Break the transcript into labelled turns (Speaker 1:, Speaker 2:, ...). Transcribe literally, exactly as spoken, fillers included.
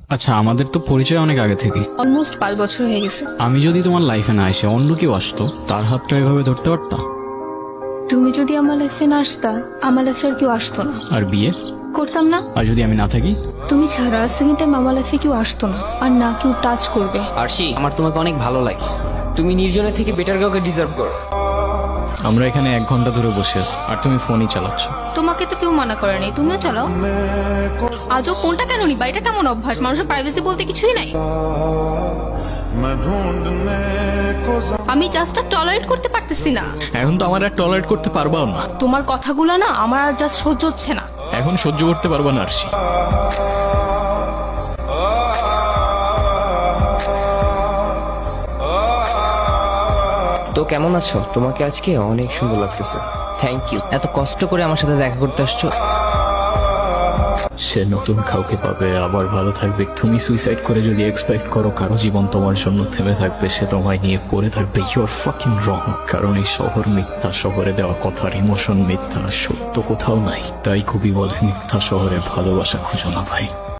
Speaker 1: আচ্ছা, আমাদের তো পরিচয় অনেক আগে থেকে।
Speaker 2: অলমোস্ট পাঁচ বছর হয়ে গেছে।
Speaker 1: আমি যদি তোমার লাইফে না এসে অন্য কেউ আসতো, তার হাতটা এভাবে ধরতে পারতাম?
Speaker 2: তুমি যদি আমার লাইফে না আসতা, আমার লাইফে আর কেউ আসতো না।
Speaker 1: আর বিয়ে
Speaker 2: করতাম না।
Speaker 1: আর যদি আমি না থাকি?
Speaker 2: তুমি ছাড়া সেকেন্ড টাইম আমার লাইফে কেউ আসতো না, আর না কেউ টাচ করবে।
Speaker 3: আরশি, আমার তোমাকে অনেক ভালো লাগে। তুমি নির্জনের থেকে বেটার কাউকে ডিজার্ভ করো।
Speaker 1: আমরা এখানে এক ঘন্টা ধরে বসে আছি আর তুমি ফোনই চালাচ্ছ।
Speaker 2: তোমাকে তো কেউ মানা করেনি, তুমিও চালাও। আজও ফোনটা কেন নিবা? এটা কেমন অভ্যাস? মানুষের প্রাইভেসি বলতে কিছুই নাই। আমি জাস্ট আর টলারেট করতে পারতেছি না।
Speaker 1: এখন তো আমার আর টলারেট করতে পারবাও না।
Speaker 2: তোমার কথাগুলো না আমার আর জাস্ট সহ্য হচ্ছে না।
Speaker 1: এখন সহ্য করতে পারবা না আরশি।
Speaker 3: তো কেমন আছো? তোমাকে আজকে অনেক সুন্দর লাগতেছে। থ্যাংক ইউ, এত কষ্ট করে আমার সাথে দেখা করতে আসছো।
Speaker 1: সে নতুন কাউকে পাবে, আবার ভালো থাকবে। তুমি সুইসাইড করে যদি এক্সপেক্ট করো কারো জীবন তোমার জন্য থেমে থাকবে, সে তোমায় নিয়ে পড়ে থাকবে, ইউ আর ফাকিং রং। কারণ এই শহর মিথ্যা, শহরে দেওয়া কথার ইমোশন মিথ্যা, সত্য কোথাও নাই। তাই খুবই বলে মিথ্যা শহরে ভালোবাসা খুঁজো না ভাই।